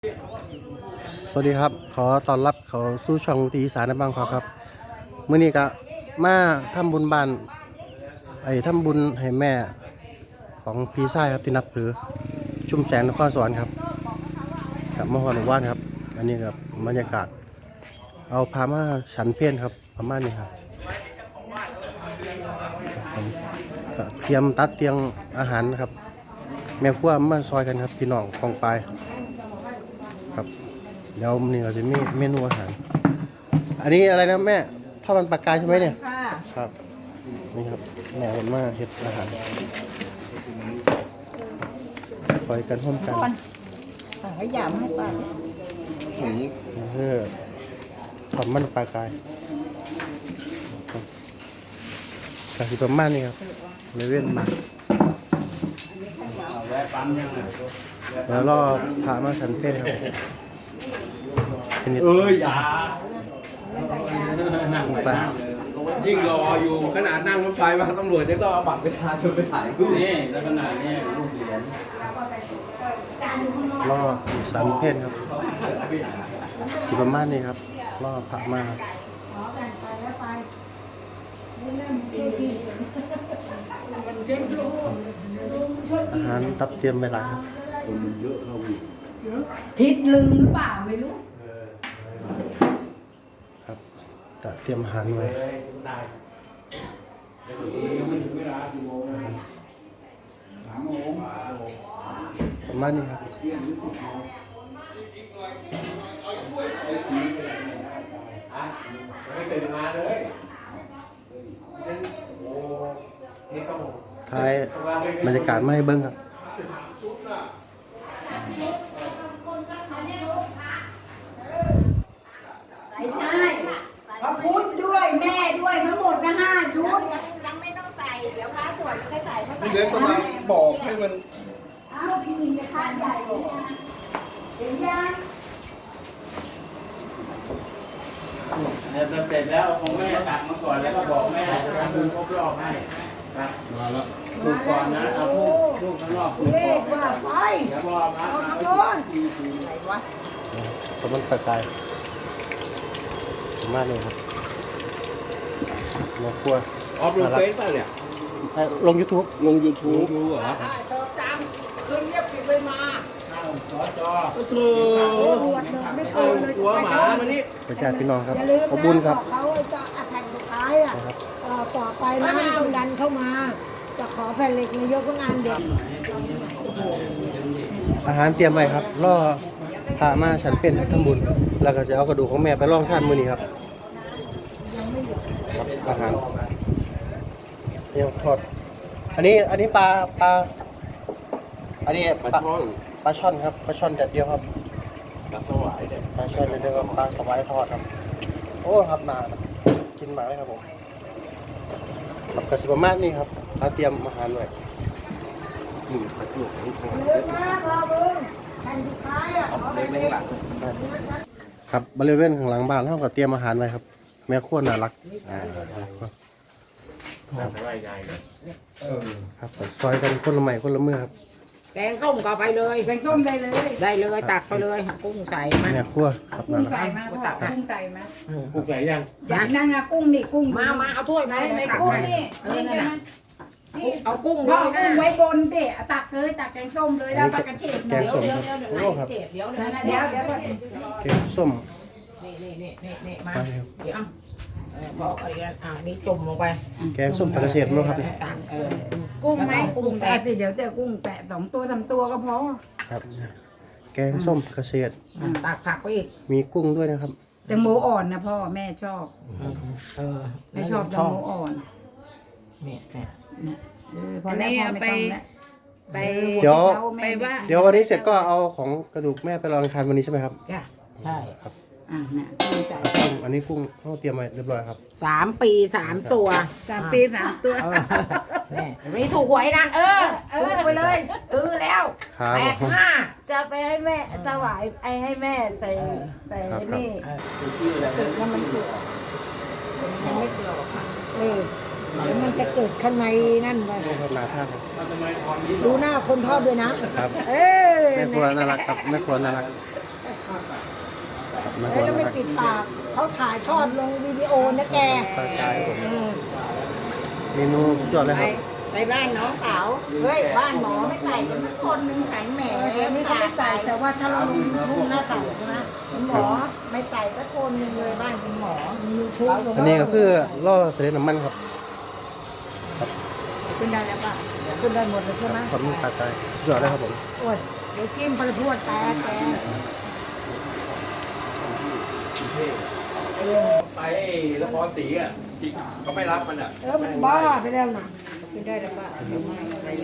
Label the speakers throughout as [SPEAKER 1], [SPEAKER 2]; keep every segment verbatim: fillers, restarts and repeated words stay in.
[SPEAKER 1] สวัสดีครับขอต้อนรับเขาสู่ช่องตีอีสานในบางขอครับมื้อนี้ก็มาทำบุญบ้านไอ้ทำบุญให้แม่ของพี่ชายครับที่นับถือชุมแสงนครสวรรค์ครับกับมหาหนุว่านครับอันนี้ครับบรรยากาศเอาพามาฉันเพลครับประมาณนี้ครับก็เตรียมตัดเตรียมอาหารครับแม่ครัวมาซอยกันครับพี่น้องกองปลายครับเดี๋ยวนี่เราจะมีเมนูอาหารอันนี้อะไรนะแม่ทอดมันปลากายใช่ไหมเนี่ยครับนี่ครับแม่ผมมาเฮ็ดอาหารคอยกันร่วมกัน
[SPEAKER 2] ให้ยามให้ป้า
[SPEAKER 1] เออทอดมันปลากายกะสิประมาณนี้ครับเลยเว้นมาแล้วรอพามาสันเพศครับเอ้ยอย่านั่งไป
[SPEAKER 3] ยิ่งรออยู่ขนาดนั่งรถไฟมาตำรวจจะต้องเอาบัตรไปทาชนไปถ่ายรูปนี่แล้วขนาดนี้รูปเหรียญ
[SPEAKER 1] รอสันเพศครับสิประมาณนี้ครับรอพามาอาหารตับเตรียมไปหลายครับ
[SPEAKER 3] คนเยอะเข้าอีก
[SPEAKER 2] ทิศลืมหรือเปล่าไม่รู้
[SPEAKER 1] ครับแต่เตรียมอาหารไว้ประมาณนี้ครับ
[SPEAKER 3] ไม่ตื่นมาเลย
[SPEAKER 1] ท้ายบรรยากาศไม่เบิ้งครับ
[SPEAKER 2] ไม่ใช่พระพุทธด้วยแม่ด้วยทั้งหมดนะห้าชุด
[SPEAKER 4] ยังไม่ต้องใส่เดี๋ยวพระสวดค่อยใส่เข้าไป
[SPEAKER 3] เดี๋ยวต้องมาบอกให้มัน
[SPEAKER 2] อ้าวพี่มินจะทานใหญ่เลยนะเห็นยัง
[SPEAKER 5] เนี่ยเสร็จแล้วของแม่ตักมาก่อนแล้วก็บอกแม่จะทำบุญครบรอบให้ครับ
[SPEAKER 3] มาแล้ว
[SPEAKER 5] ลูกก่อนนะเอาลูกลูกข้างนอกลูกก่อนว่าไปเดี๋ยวพอพระมาโน่นอะไรวะ
[SPEAKER 1] ตะมันปลากายมากเลยครับมาครัว
[SPEAKER 3] ออฟลงเฟซป่ะเนี่ย
[SPEAKER 1] ลงยูทูบ
[SPEAKER 3] ลงยูทูบดูเหรอ
[SPEAKER 5] จังคืนเงียบปิดไปมาสอจอ
[SPEAKER 3] โถ่เอาหัวหมามานี่
[SPEAKER 1] ประชาพี่น้องครับขอบคุญครับ
[SPEAKER 2] เขาจะแผ่นสุดท้ายอ่ะต่อไปนะต้องดันเข้ามาจะขอแผ่นเหล็กนายกงานเด็ก
[SPEAKER 1] อาหารเตรียมไว้ครับล่อพามาฉันเป็นทั้งบุญแล้วก็จะเอากระดูกของแม่ไปล่องท่านมื้อนี้ครับครับอาหารเดี๋ยวทอดอันนี้อันนี้ปลาปลาอันนี้
[SPEAKER 3] ปลาช่อน
[SPEAKER 1] ปลาช่อนครับปลาช่อนแดดเดียวครับ
[SPEAKER 3] ปลาสวายเนี่ย
[SPEAKER 1] ปลาช่อนแดดเดียวกับปลาสวายทอดครับโอ้ครับนานกินมาเลยครับผมครับกระสิบประมาณนี้ครับเราเตรียมอาหารไว้
[SPEAKER 3] หนึ่งปลาช่อนทั้งคอ
[SPEAKER 2] เยอะมากรอเบิ้งแผ่นสุดท้ายอ่ะขอแผ่นเหล็ก
[SPEAKER 1] ครับบริเวณข้างหลังบ้านเราก็เตรียมอาหารไว้ครับแม่ครัวน่ารักอ่า
[SPEAKER 3] ครับสบายใจเลย
[SPEAKER 1] ครับซอยกันคนละไม้คนละมือครับ
[SPEAKER 4] แกงส้มก็ไปเลย
[SPEAKER 2] แกงส้มได้เลย
[SPEAKER 4] ได้เลยตักไปเลยหักกุ้งใส่มา
[SPEAKER 1] แม่ครัวครับ
[SPEAKER 2] กุ้
[SPEAKER 1] นั่
[SPEAKER 2] ง
[SPEAKER 1] นแหละ
[SPEAKER 2] ใส่มาพ่อกุ้งใส่มา
[SPEAKER 3] กุ้งใส่ยัง
[SPEAKER 2] อย่างนั้นอะกุ้งนี่กุ้ง
[SPEAKER 4] มามาเอาถ้วยมา
[SPEAKER 2] ใน
[SPEAKER 4] ให้ตัก
[SPEAKER 2] กุ้ง
[SPEAKER 4] มา
[SPEAKER 2] นี่
[SPEAKER 4] เออนั่นน่ะเอากุ้ง
[SPEAKER 2] พ่อ
[SPEAKER 4] ด้วยนะ
[SPEAKER 2] กุ้งไว้บนสิตักเลยตักแกงส้มเลยแล้วปลากระเฉด
[SPEAKER 1] แกงส้มครับโอ้ครับ
[SPEAKER 4] เดี๋ยวเดี๋ยว
[SPEAKER 2] เดี๋ยวเดี๋ยวเดี๋ยว
[SPEAKER 1] แกงส้ม
[SPEAKER 4] นี่นี่นี่นี่นี่มาเดี๋ยวบอกอะไรกันอ่านี่จุ่มลงไป
[SPEAKER 1] แกงส้มปลากระเฉดมั้งครับ
[SPEAKER 2] กุ้งไหมกุ้งแปะสิเดี๋ยวเจอกุ้งแปะสองตัวสามตัวก็พอ
[SPEAKER 1] ครับแกงส้มปลากระเฉด
[SPEAKER 4] ตักผักไปอีก
[SPEAKER 1] มีกุ้งด้วยนะครับ
[SPEAKER 2] แตงโมอ่อนนะพ่อแม่ชอบ
[SPEAKER 4] เออ
[SPEAKER 2] แม่ชอบแตงโมอ่อน
[SPEAKER 4] เนี่ยเนี่ย
[SPEAKER 2] พอแล้วพอไม่ต้องแล้ว
[SPEAKER 4] ไป
[SPEAKER 1] เดี๋ยว
[SPEAKER 4] ไปว่า
[SPEAKER 1] เดี๋ยววันนี้เสร็จก็เอาของกระดูกแม่ไปลองทานวันนี้ใช่ไหมครับ
[SPEAKER 4] ใช่
[SPEAKER 1] ครับ
[SPEAKER 2] อ่าเนี่ยกุ้งไก่
[SPEAKER 1] กุ้งอันนี้กุ้งเขาเตรียมไว้เรียบร้อยครับ
[SPEAKER 4] สามปีสามตัว
[SPEAKER 2] สามปีสามตัว
[SPEAKER 4] นี่ไม่ถูกหวยนะเออซื้อไปเลยซื้อแล้วแปดห้า
[SPEAKER 2] จะไปให้แม่ถวายไอ้ให้แม่ใส่ใส่นี่แล้วมันเกิด
[SPEAKER 4] ยังไม่เกิดหรอกค่ะ
[SPEAKER 2] เออแล้วมันจะเกิดข้างในนั่นไป
[SPEAKER 1] นาท่า
[SPEAKER 2] ดูหน้าคนทอดด้วยนะครับเออ
[SPEAKER 1] แม่ครัวน่ารักครับแม่ครัวน่ารักมา
[SPEAKER 2] แล้
[SPEAKER 1] ก่
[SPEAKER 2] ว
[SPEAKER 1] อน
[SPEAKER 2] ก็
[SPEAKER 1] นะ
[SPEAKER 2] ไม่
[SPEAKER 1] ครับ
[SPEAKER 2] ปิดปากเขาถ่ายทอดลงวิดีโอนะแก
[SPEAKER 1] ปลากายครับผม
[SPEAKER 2] อืม
[SPEAKER 1] เมนูสุดยอดเลย
[SPEAKER 4] ไป
[SPEAKER 1] ครับ
[SPEAKER 4] ไปบ้านน้องสาวเฮ้ยบ้านหมอไม่ใส่กันทุกคนหนึ่งขันแหม
[SPEAKER 2] อันนี้เขาไม่ใส่แต่ว่าถ้าเราลงยูทูบน่าใส่ใช่ไหม
[SPEAKER 4] คุณหมอไม่ใส่สักคนหนึ่งเลยบ้านคุณหมอ
[SPEAKER 2] ยูทูบลง
[SPEAKER 1] อันนี้ก็คือล่อเสด็จน้ำมันครับ
[SPEAKER 2] ขึ้นได้แล้วป่ะขึ้นได้หมดเลยใช่ไหม
[SPEAKER 1] ความมีปลากายสุดยอดเลยครับผม
[SPEAKER 2] โอ้ยเดี๋ยวจิ้มไปพรวดแตกแก
[SPEAKER 3] ไปละครตีอ่ะจริงก็ไม่รับมันอ่ะ
[SPEAKER 2] เออมันบ้าไปแล้วนะ
[SPEAKER 4] กินได้หรือเปล่าเดี๋ยวไม่ไรแรง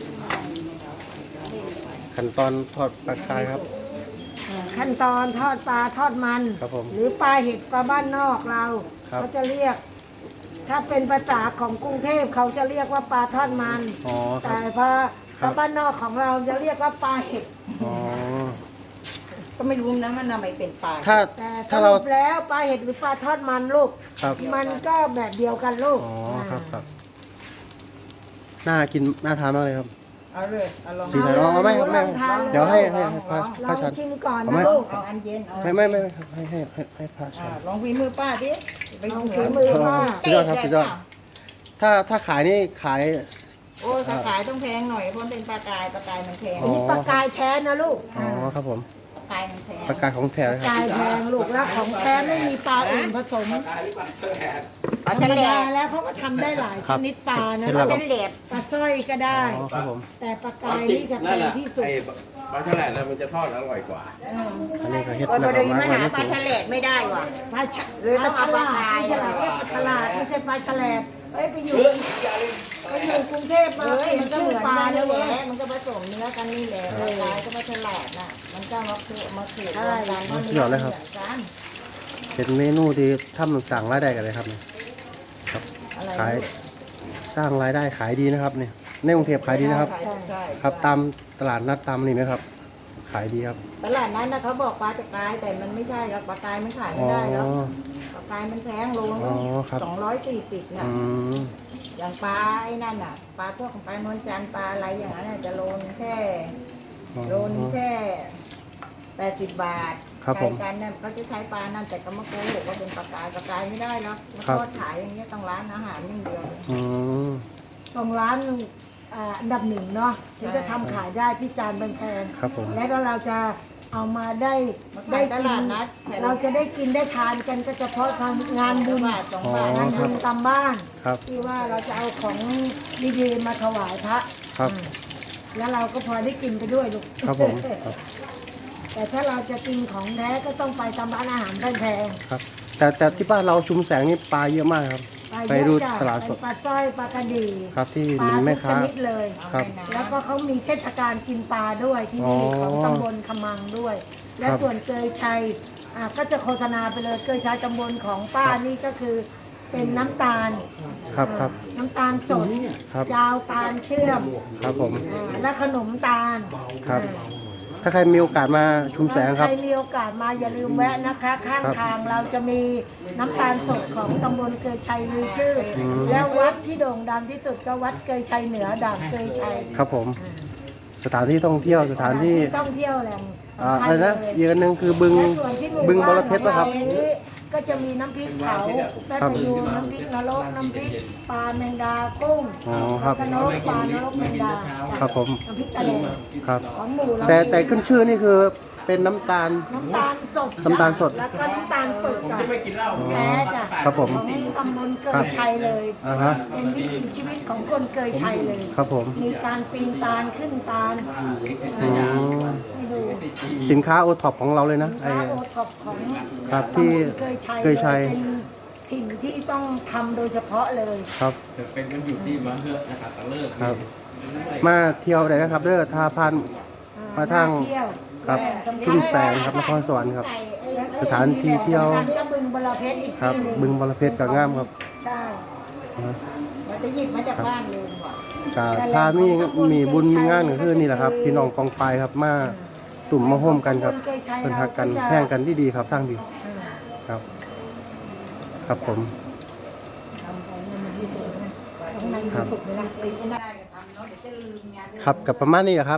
[SPEAKER 1] ขั้นตอนทอดปลากายครับ
[SPEAKER 2] ขั้นตอนทอดปลาทอดมัน
[SPEAKER 1] ครับผม
[SPEAKER 2] หรือปลาเห็ดปลาบ้านนอกเรา
[SPEAKER 1] ครับ
[SPEAKER 2] เขาจะเรียก ถ้าเป็นภาษาของกรุงเทพเขาจะเรียกว่าปลาทอดมัน
[SPEAKER 1] อ๋อครั
[SPEAKER 2] แต่
[SPEAKER 1] บ
[SPEAKER 2] พอ
[SPEAKER 1] ครั
[SPEAKER 2] ปลา
[SPEAKER 1] บ
[SPEAKER 2] บ้านนอกของเราจะเรียกว่าปลาเห็ด
[SPEAKER 1] อ๋อ
[SPEAKER 4] ก็ไม่รู้นะมันทำไมเป็นปลา
[SPEAKER 1] ถ้า
[SPEAKER 2] แต่
[SPEAKER 1] ถ้า
[SPEAKER 2] ส
[SPEAKER 1] เรา
[SPEAKER 2] รุปแล้วปลาเห็ดหรือปลาทอดมันลูก
[SPEAKER 1] ครับ
[SPEAKER 2] มันก็แบบเดียวกันลูก
[SPEAKER 1] อ๋อครับครับน่ากินน่าทานมากเลยครับ
[SPEAKER 4] เอาเลยเอาลอง
[SPEAKER 1] ดีแต่ลองเอาไหมครับแม่เดี๋ยวให้ให้ให้พระ
[SPEAKER 2] ล
[SPEAKER 1] พระ
[SPEAKER 2] อง
[SPEAKER 1] ชัน
[SPEAKER 2] ชิมก่อน
[SPEAKER 1] เอาไหม
[SPEAKER 2] นะลูก
[SPEAKER 4] เอาอันเย็นเอา
[SPEAKER 1] ไม่ไม่ไม่ไม่ครับให้ให้ให้ให้พระชั
[SPEAKER 4] อ่าน ลองวีมือป้าดิไป
[SPEAKER 2] ลอง
[SPEAKER 4] เหนื
[SPEAKER 2] ฝี
[SPEAKER 4] อ
[SPEAKER 2] มือว่า
[SPEAKER 1] สุดยอดครับสุดยอด ถ้าถ้าขายนี่ขาย
[SPEAKER 4] โอ้ยถ้าขายต้องแพงหน่อยเพราะมันเป็นปลากายปลากายมันแพง
[SPEAKER 1] อ๋
[SPEAKER 2] อันนี้ปลากายแท้นะลูก
[SPEAKER 1] อ๋อครับผม
[SPEAKER 4] ปลากายมันแพง
[SPEAKER 1] ปลากายของแท้เลยครับ
[SPEAKER 2] กายแพงลูกแล้วของแท้ไม่มีปลาอื่นผสม
[SPEAKER 3] ตายหรือเปล่าแหก
[SPEAKER 4] ปลา
[SPEAKER 2] ธร
[SPEAKER 4] ทะ
[SPEAKER 2] รม
[SPEAKER 4] เล
[SPEAKER 2] ดาแล้วเขาก็ทำได้หลายชนิดปลานะ
[SPEAKER 1] เห็น
[SPEAKER 2] ลู
[SPEAKER 1] แล้ว
[SPEAKER 2] ก
[SPEAKER 1] ครับ
[SPEAKER 4] เป็นเหล็บ
[SPEAKER 2] ปลาสร้อยก็ได้
[SPEAKER 1] อ๋อครับผม
[SPEAKER 2] แต่ปลากายนี่จะแพ
[SPEAKER 3] นั่น
[SPEAKER 2] ง
[SPEAKER 3] แหละ
[SPEAKER 2] ที่สุด
[SPEAKER 3] ไอ้ปลาฉลาดนะมันจะทอดอร่อยกว่า
[SPEAKER 1] อันนี้ก็เฮ็ด
[SPEAKER 4] โอ้ย
[SPEAKER 1] แล้ว
[SPEAKER 4] พอ
[SPEAKER 1] ก็
[SPEAKER 4] ดี
[SPEAKER 1] มา
[SPEAKER 4] มา
[SPEAKER 1] ไว้
[SPEAKER 4] หา
[SPEAKER 1] ใน
[SPEAKER 4] ปลา
[SPEAKER 1] ถุง
[SPEAKER 4] ทะเลไม่ได้ว่ะ
[SPEAKER 2] ปลาฉะ
[SPEAKER 4] หรือต้องเอาปลา
[SPEAKER 2] ฉลาด
[SPEAKER 4] กาย
[SPEAKER 2] ไม่ใช่ปลาเรียกปลาฉลาดไม่ใช่ปลาฉลาดเอ้ยไปอยู่ไปอยู่กรุงเทพมา
[SPEAKER 4] เฮ้ย
[SPEAKER 2] เปลี่ย
[SPEAKER 4] มัน
[SPEAKER 2] น
[SPEAKER 4] ก็
[SPEAKER 2] ชื่
[SPEAKER 4] เห
[SPEAKER 2] อ
[SPEAKER 4] มือน
[SPEAKER 2] ปลา
[SPEAKER 4] กัน
[SPEAKER 2] เล
[SPEAKER 4] นี่
[SPEAKER 2] ย
[SPEAKER 4] แห
[SPEAKER 2] เว้
[SPEAKER 4] ละ
[SPEAKER 2] ย
[SPEAKER 4] มันก็ผสมเนื้อกันนี่แหละปลากายก็ไม่ฉลาดน่ะมันก็มาคือมาขูดรวมกันเพราะเนื้อมันเหมือนกัน
[SPEAKER 1] เป็นเมนูที่ทำสั่งรายได้กันเลยครับเนี่ยครับ
[SPEAKER 4] อะไร
[SPEAKER 1] ขายสร้างรายได้ขายดีนะครับเนี่ยในกรุงเทพขายดีนะครับ
[SPEAKER 4] ใช่ใช่
[SPEAKER 1] ครับตามตลาดนัดตามนี่ไหมครับ ขายดีครับ
[SPEAKER 4] ตลาดนั้นนะเขาบอกปลาจะกายแต่มันไม่ใช่ครับปลากายมันขาย
[SPEAKER 1] อ๋
[SPEAKER 4] ไม่
[SPEAKER 1] อ
[SPEAKER 4] ได้แล้วปลากายมันแพงโล
[SPEAKER 1] อ๋อครับ
[SPEAKER 4] สองร้อยสี่สิบน่ะ
[SPEAKER 1] อืม
[SPEAKER 4] อย่างปลาไอ้นั่นน่ะปลาพวกของปลานวลจันทร์ปลาอะไรอย่างนั้นน่ะจะโลนแค่
[SPEAKER 1] อ๋อ
[SPEAKER 4] โลนแค่แปดสิบบาท
[SPEAKER 1] ครับผม
[SPEAKER 4] ใช้กันเนี่ยเขาจะใช้ปลานั่นแต่ก็มาโกหกว่าเป็นปลากายปลากายไม่ได้หรอกแล้ว
[SPEAKER 1] ครับ
[SPEAKER 4] ก็ขายอย่างเงี้ยต้องร้านอาหารอย่างเดียว
[SPEAKER 1] อืม
[SPEAKER 2] ตรงร้านอ่าอันดับหนึ่งเนาะที่จะทำขายได้ที่จานแพง
[SPEAKER 1] ครับผม
[SPEAKER 2] ๆและก็เราจะเอามาได้
[SPEAKER 4] มา
[SPEAKER 2] ได้
[SPEAKER 4] ขายต
[SPEAKER 2] กิ
[SPEAKER 4] ลาด
[SPEAKER 2] น
[SPEAKER 4] นัด
[SPEAKER 2] เราจะได้กินได้ทานกันก็เฉพาะทำงานบุญ
[SPEAKER 4] บาทสอง
[SPEAKER 1] อ๋อ
[SPEAKER 4] บาท
[SPEAKER 2] งาน
[SPEAKER 1] ครั
[SPEAKER 2] บุ
[SPEAKER 1] บ
[SPEAKER 2] ญตามบ้าน
[SPEAKER 1] ครับ
[SPEAKER 2] ที่ว่าเราจะเอาของดีๆมาถวายพระ
[SPEAKER 1] ครับ
[SPEAKER 2] แล้วเราก็พอได้กินไปด้วยลูก
[SPEAKER 1] ครับผมครับ
[SPEAKER 2] แต่ถ้าเราจะกินของแท้ก็ต้องไปตามร้านอาหารแพง
[SPEAKER 1] ครับ แต่แต่ที่บ้านเราชุมแสงนี่ปลาเยอะมากครับ
[SPEAKER 2] ๆ
[SPEAKER 1] ไป
[SPEAKER 2] เยอะ
[SPEAKER 1] ดู
[SPEAKER 2] จ้ะ
[SPEAKER 1] ตลาดสด
[SPEAKER 2] ไปปลาสร้อยปลากระดี
[SPEAKER 1] ครับที่
[SPEAKER 2] ปลา
[SPEAKER 1] มีแม่
[SPEAKER 2] ทุกช
[SPEAKER 1] ค้า
[SPEAKER 2] นิดเลย
[SPEAKER 1] ครับ
[SPEAKER 2] แล้วก็เขามีเทศกาลกินปลาด้วยที่นี่
[SPEAKER 1] อ๋อ
[SPEAKER 2] ของตำบลขมังด้วย และ
[SPEAKER 1] ครับ
[SPEAKER 2] ส่วนเกยชัยอ่ะก็จะโฆษณาไปเลยเกยชัยตำบลของป้านี่ก็คือเป็นน้ำตาล
[SPEAKER 1] ครับครับ
[SPEAKER 2] น้ำตาลสด
[SPEAKER 1] ครับ
[SPEAKER 2] ยาวตาลเชื่อม
[SPEAKER 1] ครับผม
[SPEAKER 2] อ่าและขนมตาล
[SPEAKER 1] ครับ
[SPEAKER 2] อ่า
[SPEAKER 1] ถ้าใครมีโอกาสมาชุมแสงครับ
[SPEAKER 2] ใครมีโอกาสมาอย่าลืมแวะนะคะ ข้าง
[SPEAKER 1] ครับ
[SPEAKER 2] ทางเราจะมีน้ำตาลสดของตำบลเกยชัยลือชื่ออ
[SPEAKER 1] ม
[SPEAKER 2] แล้ววัดที่โด่งดังที่สุดก็วัดเกยชัยเหนือด่านเกยชัย
[SPEAKER 1] ครับผม สถานที่ท่องเที่ยวสถานที่
[SPEAKER 2] ท่องเที่ยวแหล่ง
[SPEAKER 1] อ่า
[SPEAKER 2] สำคั
[SPEAKER 1] อะ
[SPEAKER 2] ญ
[SPEAKER 1] ไรนะ
[SPEAKER 2] เลย
[SPEAKER 1] อีกอันหนึ่งคือบึง
[SPEAKER 2] และส่วนที่หมู่
[SPEAKER 1] บึงบ
[SPEAKER 2] บ้าน
[SPEAKER 1] รเพชรนะครับ
[SPEAKER 2] ของเรานี้ก็จะมีน้ำพริกเผาแม่ประยูนน้ำพริกนรกน้ำพริกปลาแมงดากุ้ง
[SPEAKER 1] อ๋อครับ
[SPEAKER 2] แล้วก็นรกปลานรกแมงดา
[SPEAKER 1] ครับผม
[SPEAKER 2] น้ำพริกตะเล
[SPEAKER 1] ครับ
[SPEAKER 2] ของหมู่เรา
[SPEAKER 1] แต่แต่ขึ้นชื่อนี่คือเป็นน้ำตาล
[SPEAKER 2] น้ำตาลสด
[SPEAKER 1] น้ำตาลสด
[SPEAKER 2] แล้วก็น้ำตาลปึกอะ
[SPEAKER 3] ไม่กินเหล้า
[SPEAKER 2] แท้จ้ะ
[SPEAKER 1] ครับผม
[SPEAKER 2] ของตำบลเกยชัยเลย
[SPEAKER 1] อ่าฮะ
[SPEAKER 2] เป็นวิถีชีวิตของคนเกยชัยเลย
[SPEAKER 1] ครับผม
[SPEAKER 2] มีการปีนตาลขึ้นตาล
[SPEAKER 1] อืม
[SPEAKER 2] ให้ดู
[SPEAKER 1] สินค้าโอท็อปของเราเลยนะไอ
[SPEAKER 2] ร้านโอท็อปของ
[SPEAKER 1] ครับที่
[SPEAKER 2] ตำบลเกยชัย
[SPEAKER 1] เกยชัย
[SPEAKER 2] เป็นถิ่นที่ต้องทำโดยเฉพาะเลย
[SPEAKER 1] ครับ
[SPEAKER 3] เป็นกันอยู่ที่มาเพื่อนะครับตะเลิก
[SPEAKER 1] ครับ มาเที่ยวได้นะครับเด้อทาพัน มาทาง
[SPEAKER 2] เที่ยว
[SPEAKER 1] ครับชุ่มแสงครับนครสวรรค์ครับ สถานที่เที่ยว
[SPEAKER 2] นั้นก็บึงบรเพชรอีก
[SPEAKER 1] ครับ
[SPEAKER 2] ที่หนึ่ง
[SPEAKER 1] บึงบรเพชรกับงามครับ
[SPEAKER 2] ใช่
[SPEAKER 1] นะ
[SPEAKER 4] มันจะหยิบมาจากบ้านเลยว่ะ
[SPEAKER 1] กาถ้ามีมีบุญมีงานก็คือนี่แหละครับ พี่น้องกองไปครับมาตุ่มมาโฮมกันครับเป็นหักกันแพ่งกันที่ดีครับทั้งดีครับ ครับผม
[SPEAKER 2] ทำของมันที่สุดนะตรงนั้น
[SPEAKER 1] ครับ
[SPEAKER 2] ฝึกเลยนะ
[SPEAKER 4] ไม่ได้ก็ทำเนาะเดี๋ยวจะลืมงาน
[SPEAKER 1] ครับกับประมาณนี้แหละครับ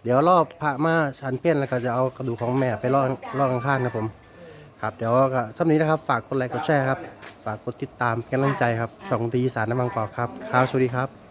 [SPEAKER 1] เดี๋ยวรอบพระมาชันเปี้ยนแล้วก็จะเอากระดูกของแม่ไปล่อล่อข้างๆนะผมครับเดี๋ยวก็สำหรับนี้นะครับฝากกดไลค์กดแชร์ครับฝากกดติดตามเป็นกำลังใจครับช่องตีอีสานน้ำบางกอกครับครับสวัสดีครับ